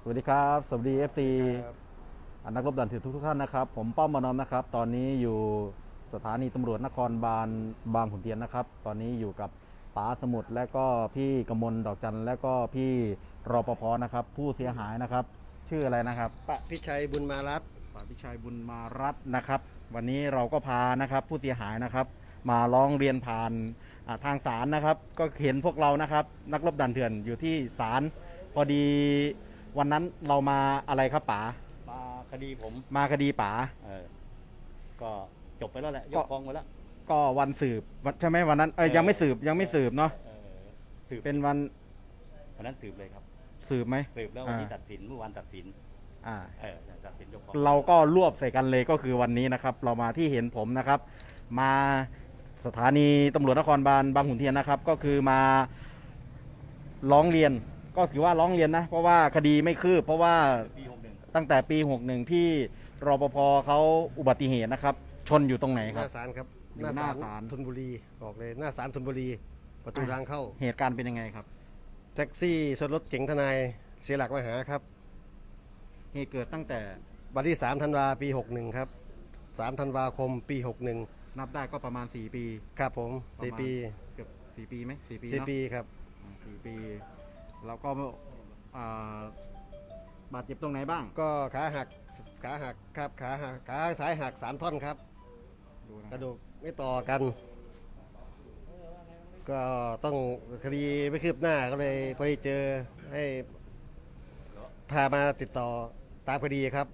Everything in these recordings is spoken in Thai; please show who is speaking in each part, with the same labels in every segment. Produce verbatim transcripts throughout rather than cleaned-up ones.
Speaker 1: สวัสดีครับสวัสดี เอฟ ซี นักรบด่านถือทุกทุกท่านนะครับผมป้อมมานอมนะครับตอนนี้อยู่สถานีตำรวจนครบาลบางขุนเทียนนะครับตอนนี้อยู่กับป๋าสมุทรและก็พี่กมลดอกจันและก็พี่รปภนะครับผู้เสียหายนะครับชื่ออะไรนะครับ
Speaker 2: ปะพิชัยบุญมารัตน์
Speaker 1: ป๋าพิชัยบุญมารัตน์นะครับวันนี้เราก็พานะครับผู้เสียหายนะครับมาร้องเรียนผ่านทางศาลนะครับก็เห็นพวกเรานะครับนักรบด่านเถื่อนอยู่ที่ศาลพอดีวันนั้นเรามาอะไรครับป๋า
Speaker 3: มาคดีผม
Speaker 1: มาคดีป๋า
Speaker 3: เออก็จบไปแล้วแหละยกฟ้องไปแล้ว
Speaker 1: ก็วันสืบใช่ไหมวันนั้นเออยังไม่สืบยังไม่สืบเนาะ
Speaker 3: สืบ
Speaker 1: เป็นวัน
Speaker 3: วันนั้นสืบเลยครับ
Speaker 1: สืบไหม
Speaker 3: สืบแล้ววันที่ตัดสินเมื่อวานตัดสิน
Speaker 1: อ่า
Speaker 3: เออตัดสินยกฟ้อง
Speaker 1: เราก็รวบใส่กันเลยก็คือวันนี้นะครับเรามาที่เห็นผมนะครับมาสถานีตำรวจนครบาลบางขุนเทียนนะครับก็คือมาร้องเรียนก็ถือว่าร้องเรียนนะเพราะว่าคดีไม่คืบเพราะว่าตั้งแต่ปีหกสิบเอ็ดพี่รปภเขาอุบัติเหตุนะครับชนอยู่ตรงไหน
Speaker 2: ค
Speaker 1: ครั
Speaker 2: บหน้าศาลครับ
Speaker 1: อยู่หน้าศาล
Speaker 2: ธนบุรีบอกเลยหน้าศาลธนบุรีประตูทางเข้า
Speaker 1: เหตุการณ์เป็นยังไงครับ
Speaker 2: แท็กซี่ชนรถเก๋งทนายเสียหลักมาหาครับ
Speaker 1: เหตุเกิดตั้งแต่
Speaker 2: วันที่สามธันวาปีหกสิบเอ็ดครับสามธันวาคมปีหกสิบเอ็ด
Speaker 1: นับได้ก็ประมาณสี่ปี
Speaker 2: ครับผมสี่ปี
Speaker 1: เกือบสี่ปีไหมสี่ปี
Speaker 2: สี่ปีครับ
Speaker 1: สี่ปีแล้วก็บาดเจ็บตรงไหนบ้าง
Speaker 2: ก็ขาหักขาหักครับขาหักขาซ้ายหักสามท่อนครับกระดูกไม่ต่อกันก็ต้องคดีไม่คืบหน้าก็เลยพอดีเจอให้พามาติดต่อตามคดีครับ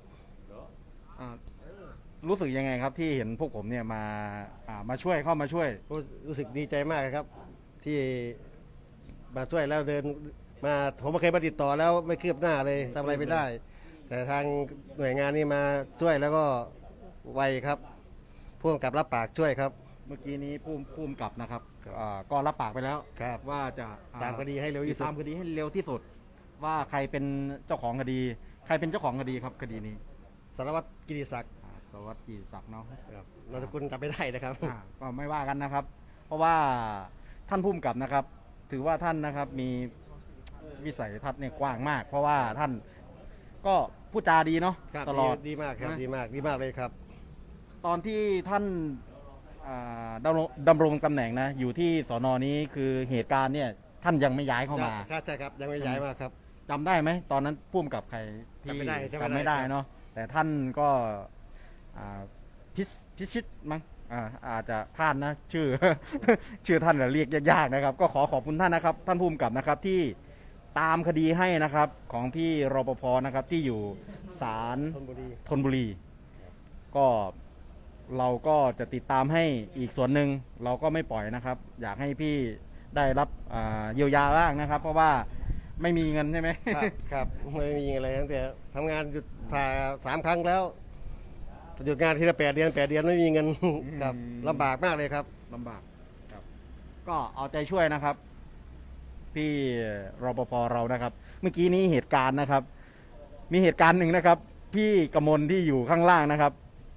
Speaker 1: รู้สึกยังไงครับที่เห็นพวกผมเนี่ยมามาช่วยเข้ามาช่วย
Speaker 2: รู้สึกดีใจมากครับที่มาช่วยแล้วเดินมาผมไม่เคยมาติดต่อแล้วไม่คืบหน้าเลยทำอะไรไม่ได้แต่ทางหน่วยงานนี้มาช่วยแล้วก็ไวครับผู้กำกับรับปากช่วยครับ
Speaker 1: เมื่อกี้นี้ผู้ผู้กำกับนะครับก็รับปากไปแล้วว่าจะ
Speaker 2: ตามคดีให้เร็วที่สุด
Speaker 1: ตามคดีให้เร็วที่สุดว่าใครเป็นเจ้าของคดีใครเป็นเจ้าของคดีครับคดีนี้
Speaker 2: สารวัตรกิติศักดิ์
Speaker 1: สารวัตรกิติศักดิ์เนาะ
Speaker 2: นามสกุลจำไม่ได้นะครับ
Speaker 1: ก็ไม่ว่ากันนะครับเพราะว่าท่านผู้กำกับนะครับถือว่าท่านนะครับมีวิสัยทัศน์เนี่ยกว้างมาก เพราะว่าท่านก็พูดจาดีเนาะตลอด
Speaker 2: ดีมากครับดีมากดีมากเลยครับ
Speaker 1: ตอนที่ท่านดำรงดำรงตำแหน่งนะอยู่ที่สนนี้คือเหตุการณ์เนี่ยท่านยังไม่ย้ายเข้ามา
Speaker 2: ใช่ครับยังไม่ย้ายมาครับ
Speaker 1: จำได้ไหมตอนนั้นพุ่มกับใครที่จำไม่ได้เนาะแต่ท่านก็พิพิชิตมั้งอาจจะพลาดนะชื่อชื่อท่านเรียกยากๆนะครับก็ขอขอบคุณท่านนะครับท่านพุ่มกับนะครับที่ตามคดีให้นะครับของพี่รปภนะครับที่อยู่ศาลธนบุรีก็เราก็จะติดตามให้อีกส่วนหนึ่งเราก็ไม่ปล่อยนะครับอยากให้พี่ได้รับเยียวยาบ้างนะครับ เพราะว่าไม่มีเงินใช่ไหม
Speaker 2: ครับไม่มีอะไรตั้งแต่ทำงานหยุดผ่าสามครั้งแล้วหยุดงานทีละแปดเดือนแปดเดือนไม่มีเงินครับลำบากมากเลยครับ
Speaker 1: ลำบากครับก็เอาใจช่วยนะครับพี่รปภเรานะครับเมื่อกี้นี้เหตุการณ์นะครับมีเหตุการณ์หนึ่งนะครับพี่กมลที่อยู่ข้างล่างนะครับ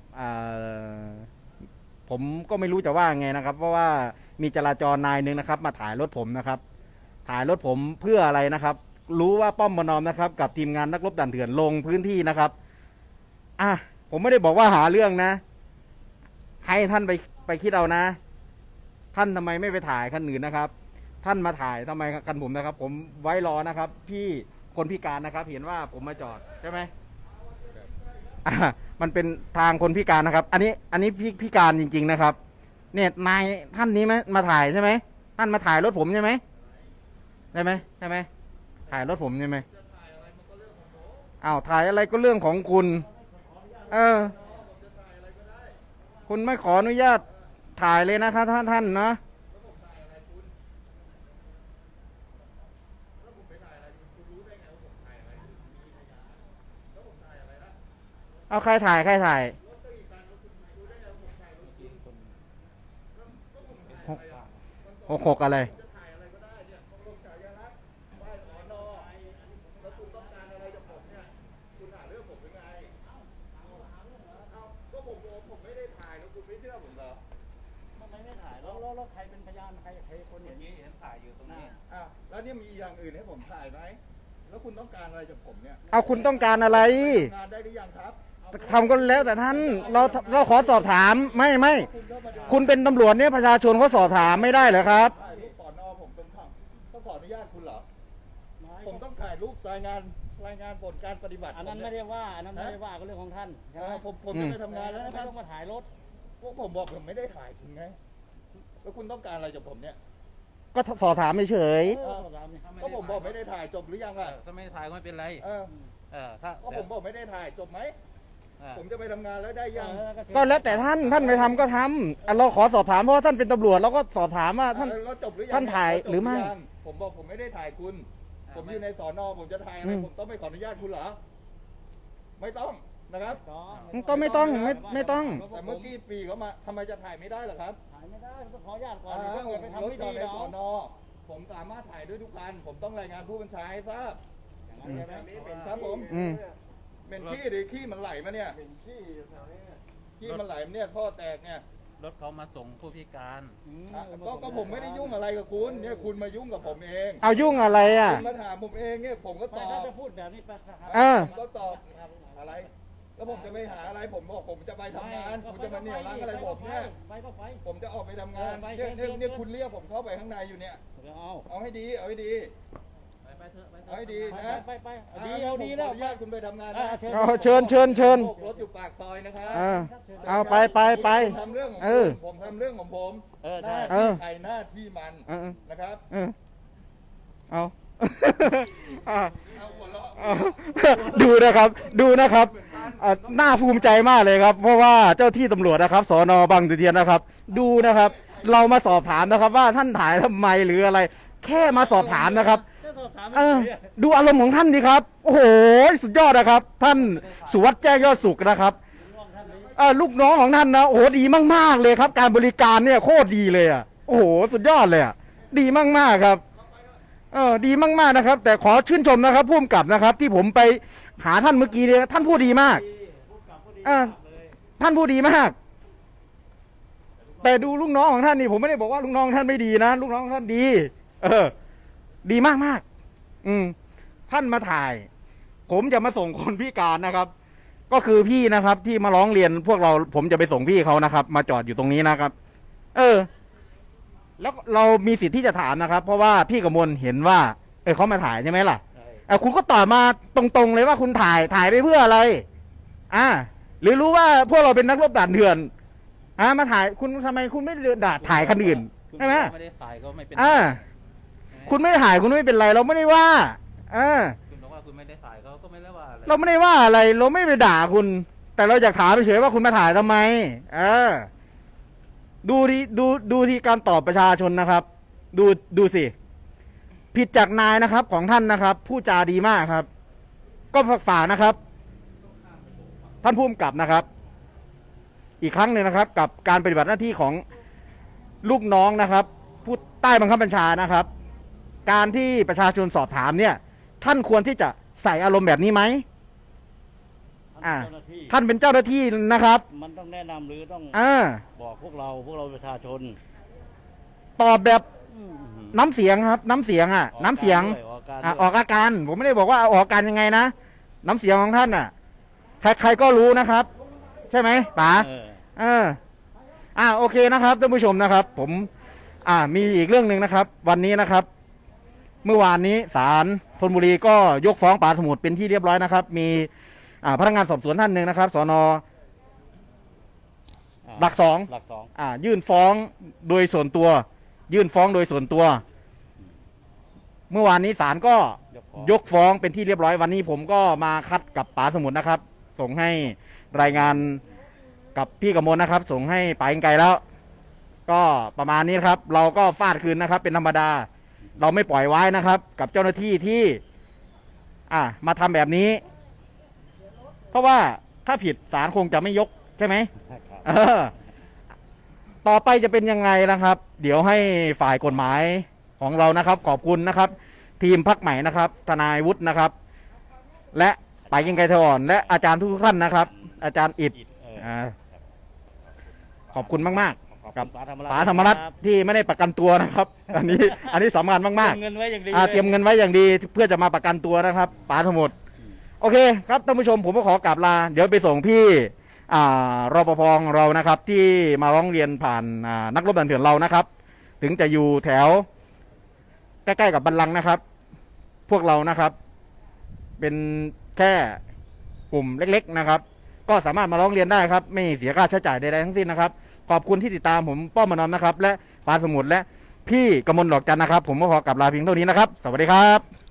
Speaker 1: ผมก็ไม่รู้จะว่าไงนะครับเพราะว่ามีจราจรนายหนึ่งนะครับมาถ่ายรถผมนะครับถ่ายรถผมเพื่ออะไรนะครับรู้ว่าป้อมมานอมนะครับกับทีมงานนักรบด่านเถื่อนลงพื้นที่นะครับอ่ะผมไม่ได้บอกว่าหาเรื่องนะให้ท่านไปไปคิดเอานะท่านทำไมไม่ไปถ่ายคันอื่นนะครับท่านมาถ่ายทำไมกันผมนะครับผมไว้รอนะครับพี่คนพิการนะครับเห็นว่าผมมาจอดใช่ไหมมันเป็นทางคนพิการนะครับอันนี้อันนี้พี่พิการจริงๆนะครับเนี่ยนายท่านนี้ไหมมาถ่ายใช่ไหมท่านมาถ่ายรถผมใช่ไหมใช่ไหมใช่ไหมถ่ายรถผมใช่ไหมอ้าวถ่ายอะไรก็เรื่องของคุณเออคุณไม่ขออนุญาตถ่ายเลยนะครับท่านท่านนะเอาใครถ่ายใครถ่ายหกหกหกอะไร
Speaker 3: แล้วใครเป็นพยานใครใครคนอย่างนี้เห็นถ่ายอยู่ตรงนี้
Speaker 4: อ้าวแล้วเนี่ยมีอย่างอื่นให้ผมถ่ายไหมแล้วคุณต้องการอะไรจากผมเนี่ย
Speaker 1: เอาคุณต้องการอะไร
Speaker 4: งานได้หรือยังครับ
Speaker 1: ทำก็แล้วแต่ท่านเราเราขอสอบถามไม่ไม่
Speaker 4: คุณเข้ามาดู
Speaker 1: คุณเป็นตำรวจเนี่ยประชาชนเขาสอบถามไม่ได้เหรอครับ
Speaker 4: ถ่ายรูปสอนอผมต้องทำต้องขออนุญาตคุณเหรอ ผมต้องถ่ายรูปรายงานรายงานผลการปฏิบัติ
Speaker 3: อันนั้นไม่ได้ว่าอันนั้นไม่ได้ว่าก็เรื่องของท่านใช่
Speaker 4: เอ
Speaker 3: ไหม
Speaker 4: อผมผมจะไปทำงานแล้ว
Speaker 3: ไม่
Speaker 4: นะครับ
Speaker 3: ต้องมาถ่ายรถ
Speaker 4: พวกผมบอกผมไม่ได้ถ่ายคุณไง แล้วคุณต้องการอะไรจากผมเนี่ย
Speaker 1: ก็สอบถามเฉย
Speaker 3: เออตามนี่
Speaker 4: ก็ผมบอกไม่ได้ถ่ายจบหรือยังล่ะ
Speaker 5: ถ้าไม่ถ่ายก็ไม่เป็นไร
Speaker 4: เออ
Speaker 5: เออ ถ้า
Speaker 4: ก็ผมบอกไม่ได้ถ่ายจบไหม
Speaker 5: เออ
Speaker 4: ผมจะไปทำงานแล้วได้ยัง
Speaker 1: ๆก็แล้วแต่ท่านท่านไปทำก็ทำอ่ะเราขอสอบถามเพราะว่าท่านเป็นตำรวจเราก็สอบถามว่าท่าน
Speaker 4: เออแล้วจบหรือยัง
Speaker 1: ท่านถ่าย
Speaker 4: แล้วจบ
Speaker 1: หรือไม่
Speaker 4: ยังผมบอกผมไม่ได้ถ่ายคุณ ผมอยู่ในสอนอผมจะถ่ายอะไร
Speaker 1: อืม
Speaker 4: ผมต้องไปขออนุญาตคุณเหรอ ไม่ต้องนะครับ
Speaker 1: ก็ไม่ต้องไม่ไม่ต้อง
Speaker 4: แต่เมื่อกี้ปีเขามาทำไมจะถ่ายไม่ได้เหรอครับ
Speaker 3: ถ่ายไม่ได้ต้องขออนุญาตก่อน
Speaker 4: อ่า
Speaker 3: ถ้า
Speaker 4: ผ
Speaker 3: เกิด
Speaker 4: ม
Speaker 3: ไป
Speaker 4: ร
Speaker 3: ทำ
Speaker 4: ถ
Speaker 3: ไม่
Speaker 4: จอ
Speaker 3: ดี
Speaker 4: ดใน
Speaker 3: เรา
Speaker 4: สอนอผมสามารถถ่ายด้วยทุกคัน ผมต้องรายงานผู้บัญชาให้ทราบ ครับผม
Speaker 1: อืม
Speaker 4: เป็นขี้หรือขี้มันไหลมาเนี่ยขี้มันไหลมาเนี่ยท่อแตกเนี่ย
Speaker 5: รถเขามาส่งผู้พิการ
Speaker 4: อ่ะก็ก็ผมไม่ได้ยุ่งอะไรกับคุณเนี่ยคุณมายุ่งกับผมเอง
Speaker 1: เอายุ่งอะไรอ่ะ
Speaker 4: คุณมาถามผมเองเนี่ยผมก็ต
Speaker 3: ไม่
Speaker 4: อ
Speaker 3: ถ้า
Speaker 4: บ
Speaker 3: จะพูดแบบนี้ไปครับ
Speaker 1: เออ
Speaker 4: ผมก็ตอบอะไร แล้วผมจะไปหาอะไรผมบอกผมจะไปทำงานคุณจะมาเหนี่ยวรั้งอะไรผมเนี่ย
Speaker 3: ไปก็ไป
Speaker 4: ผมจะออกไปทำงาน
Speaker 3: เออไป
Speaker 4: เนี่ยเนี่ย
Speaker 3: เชิญ
Speaker 4: เนี่ยคุณเรียกผมเข้าไปข้างในอยู่เนี่ย
Speaker 3: เอา
Speaker 4: เอาให้ดี เอาให้ดี
Speaker 5: ไปไปเถอะไปเถ
Speaker 4: เอา
Speaker 5: อะ
Speaker 4: ให้ดี
Speaker 3: ไป
Speaker 4: นะ
Speaker 3: ไปไปเอาดีเอาดีแล้ว
Speaker 4: ผมขออนุญาตคุณไปทำงาน
Speaker 3: อ่า
Speaker 4: นะ
Speaker 3: เชิญ
Speaker 1: เอาเชิญเชิญเชิญ
Speaker 4: โบกรถอยู่ปากซอยนะครับ
Speaker 1: เออเอาไปไปไป
Speaker 4: ผมทำเรื่องของ
Speaker 1: เอ
Speaker 4: ผ
Speaker 1: อ
Speaker 4: มผมทำเรื่องของผม
Speaker 3: เออ
Speaker 4: ห
Speaker 3: ได้
Speaker 4: น้า
Speaker 1: เอ
Speaker 4: ที่
Speaker 1: อ
Speaker 4: ใครหน้าที่มัน
Speaker 1: เออ
Speaker 4: นะครับ
Speaker 1: เออเอา อ่ะ
Speaker 4: เอาหัวเราะ
Speaker 1: เอา ดูนะครับ ดูนะครับอ่ะน่าภูมิใจมากเลยครับ เพราะว่าเจ้าที่ตำรวจนะครับสอนอบางขุนเทียนนะครับ ดูนะครับ เรามาสอบถามนะครับ ว่าท่านถ่ายทำไมหรืออะไร แค่มาสอบถามนะครับ
Speaker 3: จะสอบถาม
Speaker 1: เออ
Speaker 3: เฉย
Speaker 1: ดูอารมณ์ของท่านดีครับ โอ้โห สุดยอดนะครับ ท่านสุวัสด์แจ้งยอดสุขนะครับเออลูกน้องของท่านนะโอ้โหดีมากๆเลยครับ การบริการเนี่ยโคตรดีเลยอ่ะโอ้โหสุดยอดเลยอ่ะดีมากๆครับเออดีมากๆนะครับ แต่ขอชื่นชมนะครับผู้กำกับนะครับ ที่ผมไปหาท่านเมื่อกี้เนี่ยท่านพูดดีมากเออท่านพูดดีมาก แต่ดูลูกน้องของท่านนี่ผมไม่ได้บอกว่าลูกน้องท่านไม่ดีนะลูกน้องท่านดี เออ ดีมากมากๆอืมท่านมาถ่าย ผมจะมาส่งคนพิการนะครับ ก็คือพี่นะครับ ที่มาร้องเรียนพวกเรา ผมจะไปส่งพี่เขานะครับ มาจอดอยู่ตรงนี้นะครับ เออ แล้วเรามีสิทธิ์ที่จะถามนะครับ เพราะว่าพี่กมลเห็นว่า เออเขามาถ่ายใช่ไหมล่ะเออคุณก็ตอบมาตรงๆเลยว่าคุณถ่ายถ่ายไปเพื่ออะไร อ่า หรือรู้ว่าพวกเราเป็นนักรบด่านเถื่อนอ่ามาถ่ายคุณทำไมคุณไม่เดินด่าถ่ายคันอื่น
Speaker 5: คุณ
Speaker 1: ใช่ไหม
Speaker 5: ไม่ได้ถ่ายก็ไม่เป็น
Speaker 1: อ่า คุณไม่ถ่ายคุณไม่เป็นไร เราไม่ได้ว่าอ่า
Speaker 5: คุณบอกว่าคุณไม่ได้ถ่ายเขาก็ไม่ได้ว่าอะไร
Speaker 1: เราไม่ได้ว่าอะไร เราไม่ไปด่าคุณ แต่เราอยากถามเฉยๆว่าคุณมาถ่ายทำไม เออ ดูดิดูดูที่การตอบประชาชนนะครับ ดูดูสิ ผิดจากนายนะครับ ของท่านนะครับพูดจาดีมากครับ ก็ฝากนะครับ ท่านผู้กำกับนะครับ อีกครั้งหนึ่งนะครับ กับการปฏิบัติหน้าที่ของลูกน้องนะครับผู้ใต้บังคับบัญชานะครับ การที่ประชาชนสอบถามเนี่ย ท่านควรที่จะใส่อารมณ์แบบนี้ไหม อ่า
Speaker 3: เจ้าหน้าที่
Speaker 1: ท่านเป็นเจ้าหน้าที่นะครับ
Speaker 3: มันต้องแนะนำหรือต้อง
Speaker 1: อ่า
Speaker 3: บอกพวกเราพวกเราประชาชน
Speaker 1: ตอบแบบ
Speaker 3: อืม
Speaker 1: น้ำเสียงครับ น้ำเสียงอ่ะ น้ำเสียง
Speaker 3: ออกการ
Speaker 1: อ่ะ
Speaker 3: ด้วย
Speaker 1: ออกอาการ ผมไม่ได้บอกว่าออกอาการยังไงนะ น้ำเสียงของท่านอ่ะ ใครใครก็รู้นะครับ ใช่ไหมป๋า
Speaker 3: เออ
Speaker 1: เอออ่าโอเคนะครับท่านผู้ชมนะครับ ผมอ่ามีอีกเรื่องหนึ่งนะครับ วันนี้นะครับ เมื่อวานนี้ศาลธนบุรีก็ยกฟ้องป๋าสมุทรเป็นที่เรียบร้อยนะครับ มีอ่าพนักงานสอบสวนท่านหนึ่งนะครับสน
Speaker 3: อ่า
Speaker 1: หลักสอง
Speaker 3: หลักสอง
Speaker 1: อ่ายื่นฟ้องโดยส่วนตัว ยื่นฟ้องโดยส่วนตัว เมื่อวานนี้ศาลก็
Speaker 3: ยกฟ้อง
Speaker 1: ยกฟ้องเป็นที่เรียบร้อยวันนี้ผมก็มาคัดกับป๋าสมุทรนะครับ ส่งให้รายงานกับพี่กมลนะครับ ส่งให้ป๋าอิงไกลแล้ว ก็ประมาณนี้นะครับ เราก็ฟาดคืนนะครับ เป็นธรรมดา เราไม่ปล่อยไว้นะครับ กับเจ้าหน้าที่ที่ อ่ามาทำแบบนี้ เพราะว่าถ้าผิดศาลคงจะไม่ยกใช่ไหม
Speaker 3: ครับ
Speaker 1: เออ ต่อไปจะเป็นยังไงนะครับ เดี๋ยวให้ฝ่ายกฎหมายของเรานะครับ ขอบคุณนะครับ ทีมพักใหม่นะครับ ทนายวุฒินะครับ และป๋ายิงไกรทอ่อนและอาจารย์ทุกๆท่านนะครับ อาจารย์อิด
Speaker 3: อิฐเออ
Speaker 1: อ่าขอบคุณมาก ๆ
Speaker 3: ขอบ
Speaker 1: กั
Speaker 3: คุ
Speaker 1: บ
Speaker 3: ณป๋าธรรมรัตน์
Speaker 1: ป๋าธรรมรัตน์
Speaker 3: คบ
Speaker 1: ที่ไม่ได้ประกันตัวนะครับ อันนี้อันนี้สำคัญมาก
Speaker 3: เตรียมเงินไว้อย่างดี
Speaker 1: ๆอ่า
Speaker 3: ล
Speaker 1: เตรียมเงินไว้อย่างดีเพื่อจะมาประกันตัวนะครับป๋าทั้งหมดโอเคครับท่านผู้ชมผมก็ขอกราบลาเดี๋ยวไปส่งพี่อ่ารปภของเรานะครับ ที่มาร้องเรียนผ่านอ่านักรบดันเถื่อนเรานะครับ ถึงจะอยู่แถวใกล้ๆกับบัลลังก์นะครับ พวกเรานะครับ เป็นแค่กลุ่มเล็กๆนะครับ ก็สามารถมาร้องเรียนได้ครับ ไม่เสียค่าใช้จ่ายใดๆทั้งสิ้นนะครับ ขอบคุณที่ติดตามผมป้อมมานอมนะครับ และปานสมุทรและพี่กมลดอกจันนะครับ ผมก็ขอกลับลาเพียงเท่านี้นะครับ สวัสดีครับ